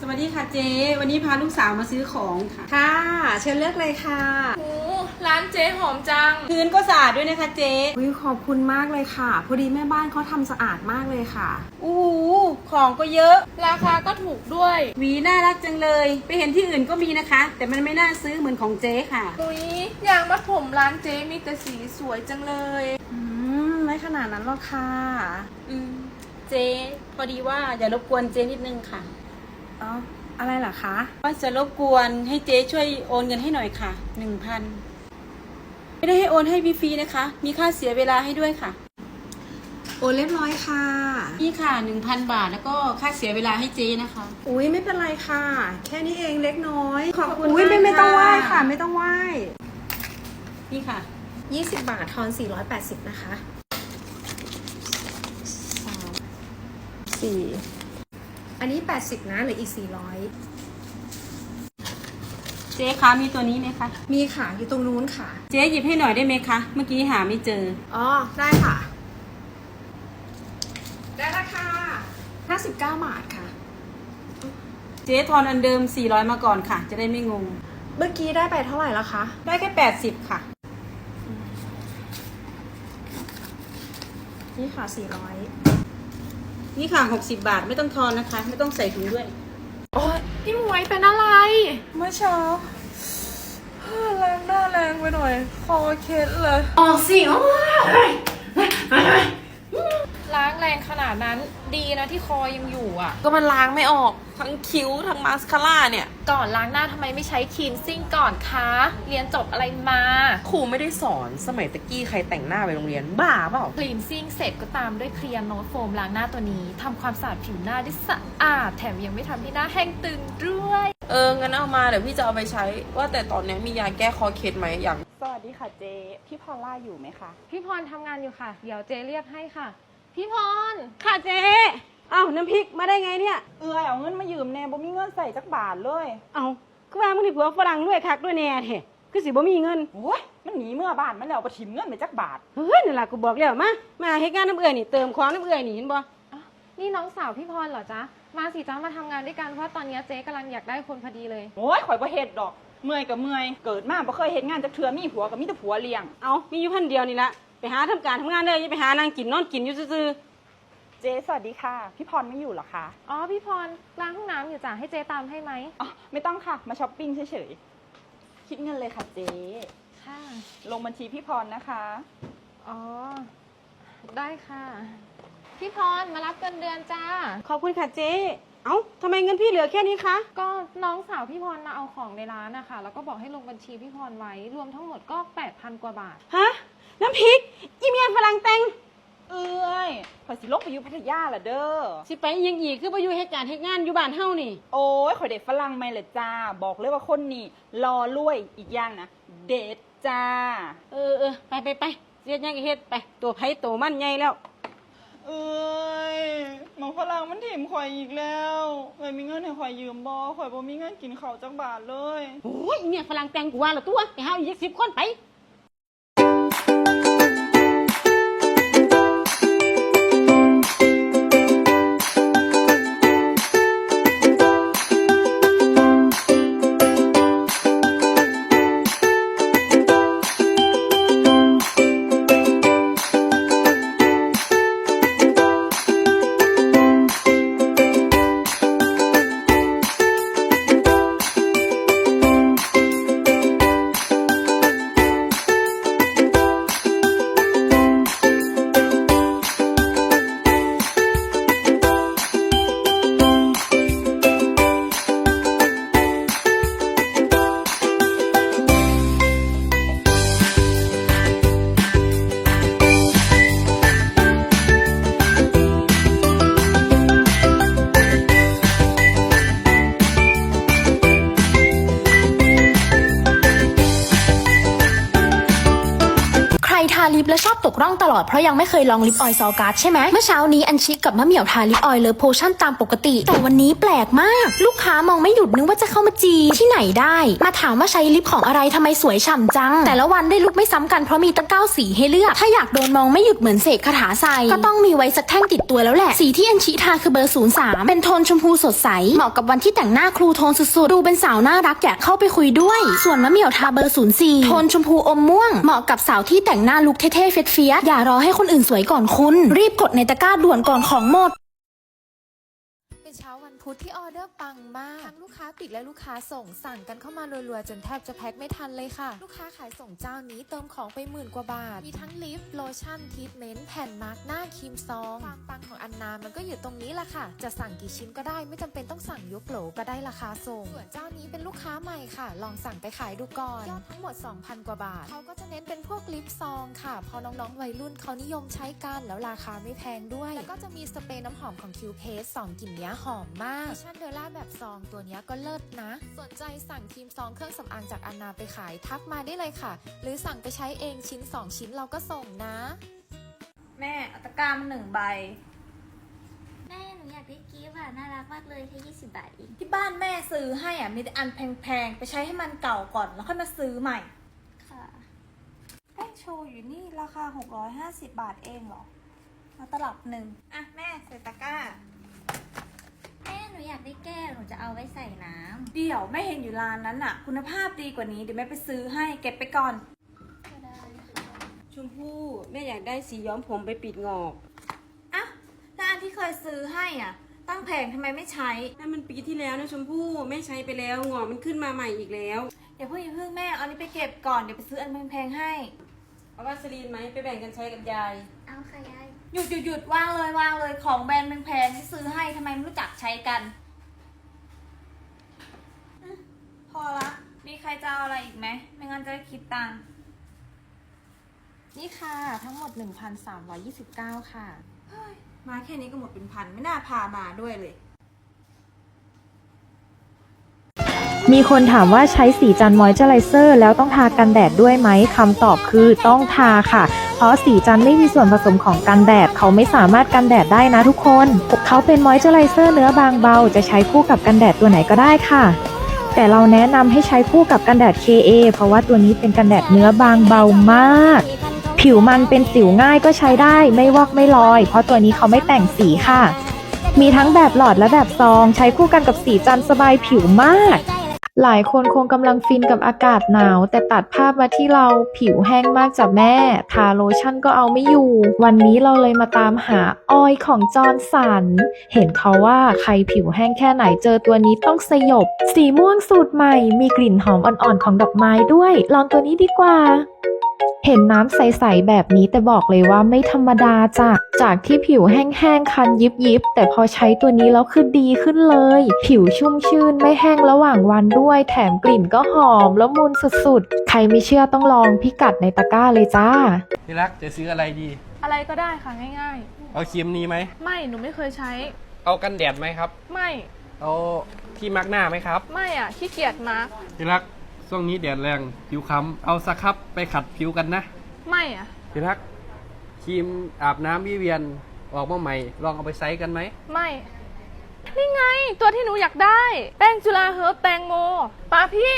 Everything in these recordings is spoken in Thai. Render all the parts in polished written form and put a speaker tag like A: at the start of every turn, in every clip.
A: สวัสดีค่ะเจ๊วันนี้พาลูกสาวมาซื้อของค่ะ
B: ค่ะเชิญเลือกเลยค่ะ
C: โอ้ร้านเจ๊หอมจัง
A: พื้นก็สะอาดด้วยนะคะเจ๊
B: ขอบคุณมากเลยค่ะพอดีแม่บ้านเขาทำสะอาดมากเลยค่ะ
A: อู้หูของก็เยอะ
C: ราคาก็ถูกด้วย
A: หวีน่ารักจังเลยไปเห็นที่อื่นก็มีนะคะ แต่มันไม่น่าซื้อเหมือนของเจ๊ค่ะ
C: อุ๊ยยางมัดผมร้านเจ๊มีแต่สีสวยจังเลย
B: ไม่ขนาดนั้นหรอกค่ะ
A: เจ๊พอดีว่าอย่ารบกวนเจ๊นิดนึงค่ะ
B: อ๋ออะไรเหรอคะ
A: ว่าจะรบกวนให้เจ๊ช่วยโอนเงินให้หน่อยค่ะ 1,000ไม่ได้ให้โอนให้ฟรีๆนะคะมีค่าเสียเวลาให้ด้วยค่ะ
B: โอนเรียบร้อยค่ะ
A: นี่ค่ะ 1,000 บาทแล้วก็ค่าเสียเวลาให้เจ๊นะคะ
B: ไม่เป็นไรค่ะแค่นี้เองเล็กน้อย
A: ขอบคุณ
B: ไม่ต้องไหว้ค่ะไม่ต้องไหว้
A: นี่ค่ะ
B: 20 บาททอน480นะคะ4อันนี้80นะเหลืออีก400
A: เจ๊คะมีตัวนี้ไหมคะ
B: มีค่ะอยู่ตรงนู้นค่ะ
A: เจ๊หยิบให้หน่อยได้ไหมคะเมื่อกี้หาไม่เจอ
B: ได้ค่ะได้ราคา59 บาทค่ะ
A: เจ๊ทอนอันเดิม400มาก่อนค่ะจะได้ไม่งง
B: เมื่อกี้ได้ไปเท่าไหร่แล้วคะ
A: ได้แค่80ค่ะ
B: นี่ค่ะ400
A: นี่ค่ะ60 บาทไม่ต้องทอนนะคะไม่ต้องใส่ถุงด้วย
C: โอ๊ยพี่หมวยเป็นอะไร
B: เมื่อเช้าแรงหน้าแรงไปหน่อยคอเคล็ดเลย
C: ออกสิล้างแรงขนาดนั้นดีนะที่คอยังอยู่อ่ะ
B: ก็มันล้างไม่ออกทั้งคิ้วทั้งมาสคาร่าเนี่ย
C: ก่อนล้างหน้าทำไมไม่ใช้คลีนซิ่งก่อนคะเรียนจบอะไรมา
B: ครูไม่ได้สอนสมัยตะกี้ใครแต่งหน้าไปโรงเรียนบ้าเปล่า
C: คลีนซิ่งเสร็จก็ตามด้วยเคลียร์โนตโฟมล้างหน้าตัวนี้ทำความสะอาดผิวหน้าได้สะอาดแถมยังไม่ทำให้หน้าแห้งตึงด้วย
B: งั้นเอามาเดี๋ยวพี่จะเอาไปใช้ว่าแต่ตอนนี้มียาแก้คอเคล็ดไหมอย่าง
D: สวัสดีค่ะเจ๊พี่พอลล่าอยู่ไหมคะ
C: พี่พรทำงานอยู่ค่ะเดี๋ยวเจ๊เรียกให้ค่ะพี่พร
A: ค่ะเจ๊น้ำพริกมาได้ไงเนี่ย
D: เอาเงินมายืมแน่บ่มีเงินใส่จักบาทเลย
A: คือว่ามึงที่ผัวฝรั่งด้วยคักด้วยแน่แท้คือสิบ่มีเงิน
D: โอ้ยมันหนีเมื่อบ้านมันแล้วบ่ถิมเงินไปจักบาท
A: นั่นล่ะกูบอกแล้วมาเฮ็ดงานน้ำเอื้อยนี่เติมของน้ำเอื้อยนี่เห็นบ่
C: นี่น้องสาวพี่พรเหรอจ๊ะมาสิจ๊ะมาทำงานด้วยกันเพราะตอนนี้เจ๊กำลังอยากได้คนพอดีเลย
D: โอ้ยข่อยบ่เฮ็ดดอกเมื่อยก็เมื่อยเกิดมาบ่เคยเฮ็ดงานจักเทื่อมีผัวก็มีแต่ผัวเลี้ยง
A: มีอยู่พันเดียวนี่ละไปหาทำการทำงานเลยอย่าไปหานางกินนอนกินอยู่ซื่อ
D: เจ๊สวัสดีค่ะพี่พรไม่อยู่หรอคะ
C: พี่พรล้างห้องน้ำอยู่จ้ะให้เจ๊ตามให้ไหม
D: ไม่ต้องค่ะมาช้อปปิ้งเฉยๆคิดเงินเลยค่ะเจ๊
C: ค่ะ
D: ลงบัญชีพี่พรนะคะ
C: ได้ค่ะพี่พรมารับเงินเดือนจ้า
A: ขอบคุณค่ะเจ๊ทำไมเงินพี่เหลือแค่นี้คะ
C: ก็น้องสาวพี่พรมาเอาของในร้านนะคะแล้วก็บอกให้ลงบัญชีพี่พรไว้รวมทั้งหมดก็ 8,000 กว่าบาท
A: ฮะน้ำพริกอีเมียฝรั่งแต่ง
D: ข่อยสิลงไปอยู่พัทยาล่ะเด้อ
A: สิไปยังอีกคือไปอยู่เหตุการณ์เหตุงานอยู่บ้านเฮานี่
D: โอ้ยข่อยเด็ดฝรั่งไหมล่ะจ้าบอกเลยว่าคนนี้รอรวยอีกอย่างนะเด็ดจ้า
A: ไปเสียยังเฮ็ดไปตัวไผตัวมันใหญ่แล้ว
D: หมอฝรั่งมันถิ่มข่อยอีกแล้วมีเงินให้ข่อยยืมบ่ข่อยบ่มีเงินกินข้าวจักบาทเลย
A: โอ้ยเนี่ยฝรั่งแต่งกูว่าละตัวไปหาอีก10 คนไป
E: ลิปแล้วชอบตกร่องตลอดเพราะยังไม่เคยลองลิปออยล์ซอการ์ดใช่ไหมเมื่อเช้านี้อัญชิกับมะเหมี่ยวทาลิปออยล์เลิฟโพชั่นตามปกติแต่วันนี้แปลกมากลูกค้ามองไม่หยุดนึกว่าจะเข้ามาจีบที่ไหนได้มาถามว่าใช้ลิปของอะไรทำไมสวยฉ่ำจังแต่ละวันได้ลุกไม่ซ้ำกันเพราะมีตั้ง9สีให้เลือกถ้าอยากโดนมองไม่หยุดเหมือนเสกคาถาใส่ก็ต้องมีไว้สักแท่งติดตัวแล้วแหละสีที่อัญชิทาคือเบอร์03เป็นโทนชมพูสดใสเหมาะกับวันที่แต่งหน้าครูโทนสุดๆดูเป็นสาวน่ารักอยากเข้าไปคุยด้วยส่วนมะเหมี่ยวทาเบอร์04โทนชมพูอมม่วงเหมาะกับสาวที่แต่งหน้าลุคเท่ๆเฟี้ยๆอย่ารอให้คนอื่นสวยก่อนคุณรีบกดในตะกร้าด่วนก่อนของหมด
C: เป็นเช้าวันพุธที่ออเดอร์ปังมากทั้งลูกค้าติดและลูกค้าส่งสั่งกันเข้ามารัวๆจนแทบจะแพ็คไม่ทันเลยค่ะลูกค้าขายส่งเจ้านี้เติมของไป10,000 กว่าบาทมีทั้งลิปโลชั่นทรีทเมนต์แผ่นมาร์กหน้าครีมซองความปังของอันนามันก็อยู่ตรงนี้แหละค่ะจะสั่งกี่ชิ้นก็ได้ไม่จำเป็นต้องสั่งยกโหลก็ได้ราคาส่งส่วนเจ้านี้เป็นลูกค้าใหม่ค่ะลองสั่งไปขายดูก่อนยอดทั้งหมด 2,000 กว่าบาทเขาก็จะเน้นเป็นพวกลิปซองค่ะพอน้องๆวัยรุ่นเขานิยมใช้กันแล้วราคาไม่แพงด้วยแล้วก็จะมีสเปรย์น้ำหอมของคิวเพส2กลิ่นนี้หอมมากชั่นเดอร่าแบบซองตัวนี้ก็เลิศนะสนใจสั่งครีมซองเครื่องสำอางจากอันนาไปขายทักมาได้เลยค่ะหรือสั่งไปใช้เองชิ้น2ชิ้นเราก็ส่งนะ
B: แม่เอาตะกร้ามา1 ใบ
F: แม่หนูอยากได้กิฟต์อ่ะน่ารักมากเลยแค่20 บาทเอง
B: ที่บ้านแม่ซื้อให้อ่ะมีแต่อันแพงๆไปใช้ให้มันเก่าก่อนแล้วค่อยมาซื้อใหม่
F: ค่ะ
B: แป้งโชว์อยู่นี่ราคา650 บาทเองเหรอมาตลับหนึ่งอ่ะแม่ใส่ตะกร้า
F: แม่หนูอยากได้แก้วหนูจะเอาไว้ใส่น้ำ
B: เดี๋ยวแม่เห็นอยู่ร้านนั้นอ่ะคุณภาพดีกว่านี้เดี๋ยวแม่ไปซื้อให้เก็บไปก่อน
F: ก็ได้ค่ะ
A: ชมพู่แม่อยากได้สีย้อมผมไปปิดงอก
B: อ่ะแล้วอันที่เคยซื้อให้อ่ะตั้งแผงทำไมไม่ใช้
A: นั่นมันปีที่แล้วนะชมพู่แม่ใช้ไปแล้วงอกมันขึ้นมาใหม่อีกแล้ว
B: อย่าเพิ่งแม่เอานี้ไปเก็บก่อนเดี๋ยวไปซื้ออันแพงๆให้
A: เอาวาสลีนไหมไปแบ่งกันใช้กับยาย
F: เอาค่ะยาย
B: หยุดวางเลยของแบรนด์แพงๆที่ซื้อให้ทำไมไม่รู้จักใช้กันพอละมีใครจะเอาอะไรอีกไหมไม่งั้นจะได้คิดตังค์
C: นี่ค่ะทั้งหมด 1,329 ค่ะ
B: มาแค่นี้ก็หมดเป็นพันไม่น่าพามาด้วยเลย
G: มีคนถามว่าใช้สีจันทร์มอยเจอไรเซอร์แล้วต้องทากันแดดด้วยไหมคำตอบคือต้องทาค่ะเพราะสีจันทร์ไม่มีส่วนผสมของกันแดดเขาไม่สามารถกันแดดได้นะทุกคนเขาเป็นมอยเจอไรเซอร์เนื้อบางเบาจะใช้คู่กับกันแดดตัวไหนก็ได้ค่ะแต่เราแนะนำให้ใช้คู่กับกันแดด KA เพราะว่าตัวนี้เป็นกันแดดเนื้อบางเบามากผิวมันเป็นสิวง่ายก็ใช้ได้ไม่วอกไม่ลอยเพราะตัวนี้เขาไม่แต่งสีค่ะมีทั้งแบบหลอดและแบบซองใช้คู่กันกับสีจันทร์สบายผิวมากหลายคนคงกำลังฟินกับอากาศหนาวแต่ตัดภาพมาที่เราผิวแห้งมากจ้ะแม่ทาโลชั่นก็เอาไม่อยู่วันนี้เราเลยมาตามหาออยล์ของจอร์นสันเห็นเขาว่าใครผิวแห้งแค่ไหนเจอตัวนี้ต้องสยบสีม่วงสูตรใหม่มีกลิ่นหอมอ่อนๆของดอกไม้ด้วยลองตัวนี้ดีกว่าเห็นน้ำใสๆแบบนี้แต่บอกเลยว่าไม่ธรรมดาจากที่ผิวแห้งๆคันยิบแต่พอใช้ตัวนี้แล้วคือดีขึ้นเลยผิวชุ่มชื่นไม่แห้งระหว่างวันด้วยแถมกลิ่นก็หอมละมุนสุดๆใครไม่เชื่อต้องลองพิกัดในตะกร้าเลยจ้า
H: ที่รักจะซื้ออะไรดี
D: อะไรก็ได้ค่ะง่าย
H: ๆเอาครีมนี้ไหม
D: ไม่หนูไม่เคยใช้
H: เอากันแดดไหมครับ
D: ไม่
H: เอาที่มาร์กหน้าไหมครับ
D: ไม่อ่ะขี้เกียจมาร์ก
H: ที่รักช่วงนี้แดดแรงผิวค้ำเอาสครับไปขัดผิวกันนะ
D: ไม่อ่ะ
H: ที่รักครีมอาบน้ำวิเวียนออกมาใหม่ลองเอาไปใช้กันไหม
D: ไม่นี่ไงตัวที่หนูอยากได้แป้งจุฬาเฮิร์บแตงโมป้าพี่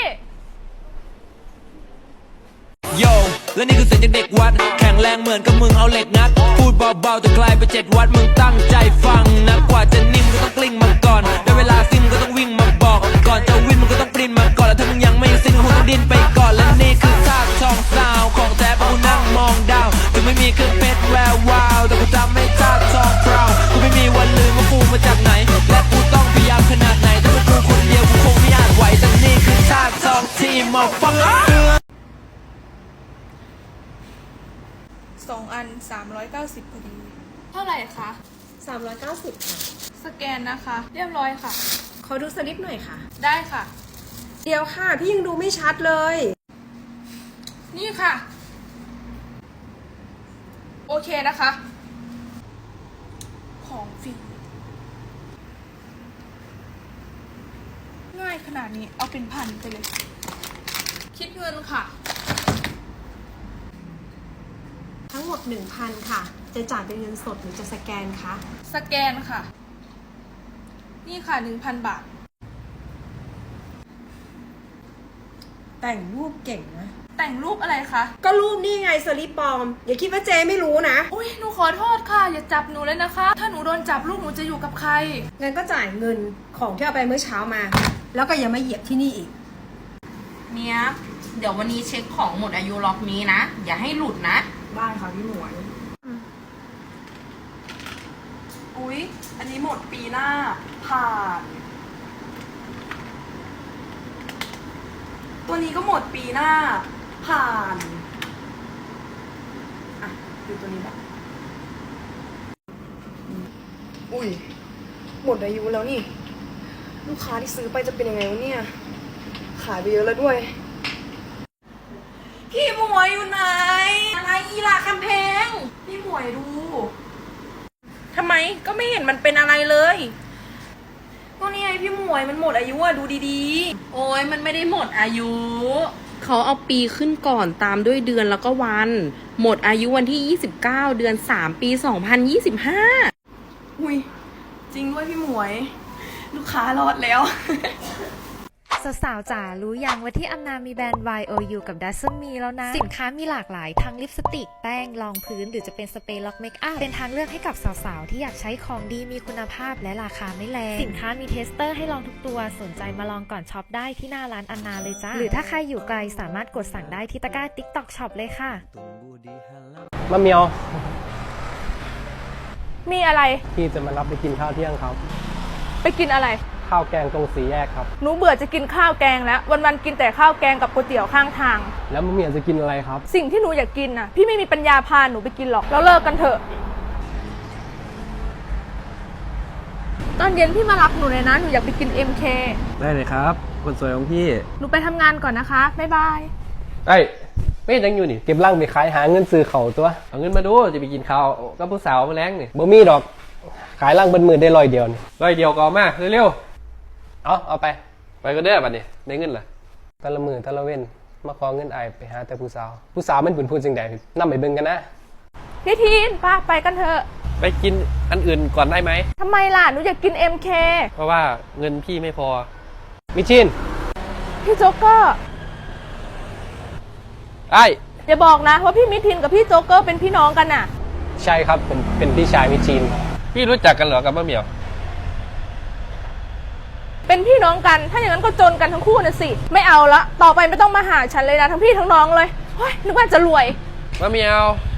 I: โยและนี่คือเสียงจากเด็กวัดแข็งแรงเหมือนกับมึงเอาเหล็กงัดพูดเบาๆแต่กลายเป็น7 วัดมึงตั้งใจฟังนะกว่าจะนิ่มก็ต้องกลิ้งมาก่อนได้เวลาซิ่งก็ต้องวิ่งมาบอกก่อนจะวิ่งมึงก็ต้องปริ้นมาก่อนแล้วถ้ามึงยังไม่ซิ่งคงต้องดิ้นไปก่อนและนี่คือท่าทองซาวของแท้เพราะกูนั่งมองดาวถึงไม่มีเครื่องเพชรแวววาวแต่กูจำไม่ท่าทองพราวกูไม่มีวันลืมว่ากูมาจากไหนและกูต้องพยายามขนาดไหนถ้าเป็นกูคนเดียวกูคงไม่อาจไหวแต่นี่คือท่าทองที่มองฟัง
B: 2 อัน390พอดี
D: เท่าไหร่คะ
E: 390ค่ะ
D: สแกนนะคะเรียบร้อยค่ะ
E: ขอดูสลิปหน่อยค่ะ
D: ได้ค่ะ
E: เดี๋ยวค่ะพี่ยังดูไม่ชัดเลย
D: นี่ค่ะโอเคนะคะของฟรีง่ายขนาดนี้เอาเป็นพันไปเลยคิดเงินค่ะ
J: ทั้งหมด 1,000 ค่ะ จะจ่ายเป็นเงินสดหรือจะสแกนคะ
B: สแกนค่ะ นี่ค่ะ 1,000 บาท
J: แต่งรูปเก่งนะ
B: แต่งรูปอะไรคะ
J: ก็รูปนี่ไงสลิปปลอม อย่าคิดว่าเจไม่รู้นะ
B: อุ้ยหนูขอโทษค่ะ อย่าจับหนูเลยนะคะ ถ้าหนูโดนจับลูกหนูจะอยู่กับใคร
J: งั้นก็จ่ายเงินของที่เอาไปเมื่อเช้ามา แล้วก็อย่ามาเหยียบที่นี่อีก
K: เนี่ยเดี๋ยววันนี้เช็คของหมดอายุล็อกนี้นะ อย่าให้หลุดนะ
J: ได้ค่ะพี่หมวย
D: อุ๊ย อันนี้หมดปีหน้า ผ่าน ตัวนี้ก็หมดปีหน้า ผ่าน อ่ะ ดูตัวนี้บ้างอุ้ย หมดอายุแล้วนี่ ลูกค้าที่ซื้อไปจะเป็นยังไงวะเนี่ย ขายไปเยอะแล้วด้วย พี่หมวยอยู่ไหน อะไรอีหล่าคำแพง พี่หมวยดู ทำไมก็ไม่เห็นมันเป็นอะไรเลยก็นี่ไงพี่หมวยมันหมดอายุอะดูดีๆ
K: โอ้ยมันไม่ได้หมดอายุ เขาเอาปีขึ้นก่อนตามด้วยเดือนแล้วก็วัน หมดอายุวันที่ 29 เดือน 3 ปี 2025
D: อุ้ยจริงด้วยพี่หมวย ลูกค้ารอดแล้ว
C: สาวๆจ๋ารู้ยังว่าที่อันนามีแบรนด์ YOU กับ Dasm มีแล้วนะ สินค้ามีหลากหลายทั้งลิปสติก แป้ง รองพื้น หรือจะเป็นสเปรย์ล็อกเมคอัพ เป็นทางเลือกให้กับสาวๆ ที่อยากใช้ของดีมีคุณภาพและราคาไม่แรง สินค้ามีเทสเตอร์ให้ลองทุกตัว สนใจมาลองก่อนช็อปได้ที่หน้าร้านอันนาเลยจ้า หรือถ้าใครอยู่ไกลสามารถกดสั่งได้ที่ตะกร้า TikTok Shop เลยค่ะ
H: มะเหมียว
B: มีอะไร
H: พี่จะมารับไปกินข้าวเที่ยงครับ
B: ไปกินอะไร
H: ข้าวแกงตรงสี่แยกครับ
B: หนูเบื่อจะกินข้าวแกงแล้ว วันๆกินแต่ข้าวแกงกับก๋วยเตี๋ยวข้างทาง
H: แล้วมะเหมียวจะกินอะไรครับ
B: สิ่งที่หนูอยากกินน่ะ พี่ไม่มีปัญญาพาหนูไปกินหรอกแล้วเลิกกันเถอะ ตอนเย็นพี่มารับหนูเลยนะ หนูอยากไปกิน MK
H: ได้เลยครับ คนสวยของพี่
B: หนูไปทำงานก่อนนะคะ บ๊ายบาย
H: เอ้ยไม่ยังอยู่นี่ เก็บร่างไปขายหาเงินซื้อเขาวตัว เอาเงินมาดูจะไปกินข้าวกับผู้สาวมาแล้งนี่บ่มีดอก ขายร่างเป็นหมื่นได้100 เดียวนี่100 เดียวก็เอามาเร็วๆเอาไปก็เด้อบัดนี้ได้เงินล่ะแต่ละมือแต่ละเว้นมาขอเงินอายไปหาแต่ผู้สาวมันเป็นผู้จังใดนำไปเบิ่งกันนะ
B: พี่ทีนป้าไปกันเถอะ
H: ไปกินอันอื่นก่อนได้ไหม
B: ทำไมล่ะ หนูอยากกิน MK
H: เพราะว่าเงินพี่ไม่พอมิชิน
B: พี่โจ๊กเกอร์
H: ไอ้
B: อย่าบอกนะว่าพี่มิทินกับพี่โจ๊กเกอร์เป็นพี่น้องกันน่ะ
H: ใช่ครับผมเป็นพี่ชายมิชินพี่รู้จักกันเหรอกับมะเหมียว
B: เป็นพี่น้องกัน ถ้าอย่างนั้นก็จนกันทั้งคู่นะสิ ไม่เอาละ ต่อไปไม่ต้องมาหาฉันเลยนะ ทั้งพี่ทั้งน้องเลยเฮ้ยนึกว่าจะรวย
H: มะเหมียว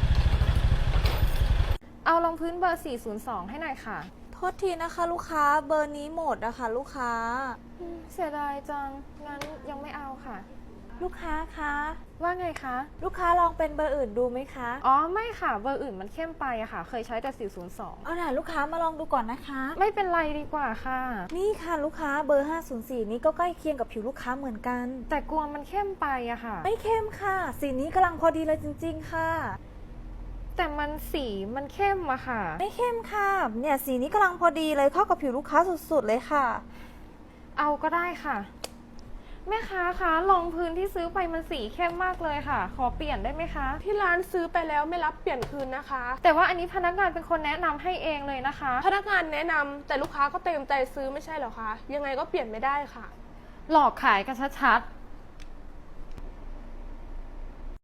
C: เอารองพื้นเบอร์ 402 ให้หน่อยค่ะ
B: โทษทีนะคะ ลูกค้าเบอร์นี้หมดนะคะลูกค้า
C: เสียดายจัง งั้นยังไม่เอาค่ะ
B: ลูกค้าคะ
C: ว่าไงคะ
B: ลูกค้าลองเป็นเบอร์อื่นดูไหมคะ
C: อ๋อไม่ค่ะ เบอร์อื่นมันเข้มไปอะค่ะ เคยใช้แต่ 402
B: เอาล่ะลูกค้ามาลองดูก่อนนะคะ
C: ไม่เป็นไรดีกว่าค่ะ
B: นี่ค่ะลูกค้าเบอร์ 504 นี้ก็ใกล้เคียงกับผิวลูกค้าเหมือนกัน
C: แต่กลัวมันเข้มไปอะค่ะ
B: ไม่เข้มค่ะ สีนี้กำลังพอดีเลยจริงๆค่ะ
C: แต่มันสีมันเข้มอะค่ะ
B: ไม่เข้มค่ะ เนี่ยสีนี้กำลังพอดีเลยเข้ากับผิวลูกค้าสุดๆเลยค่ะ
C: เอาก็ได้ค่ะ แม่ค้าคะรองพื้นที่ซื้อไปมันสีเข้มมากเลยค่ะ ขอเปลี่ยนได้ไหมคะ
L: ที่ร้านซื้อไปแล้วไม่รับเปลี่ยนคืนนะคะ
C: แต่ว่าอันนี้พนักงานเป็นคนแนะนำให้เองเลยนะคะ
L: พนักงานแนะนำแต่ลูกค้าก็เต็มใจซื้อไม่ใช่เหรอคะ ยังไงก็เปลี่ยนไม่ได้ค่ะ
C: หลอกขายกันชัดๆ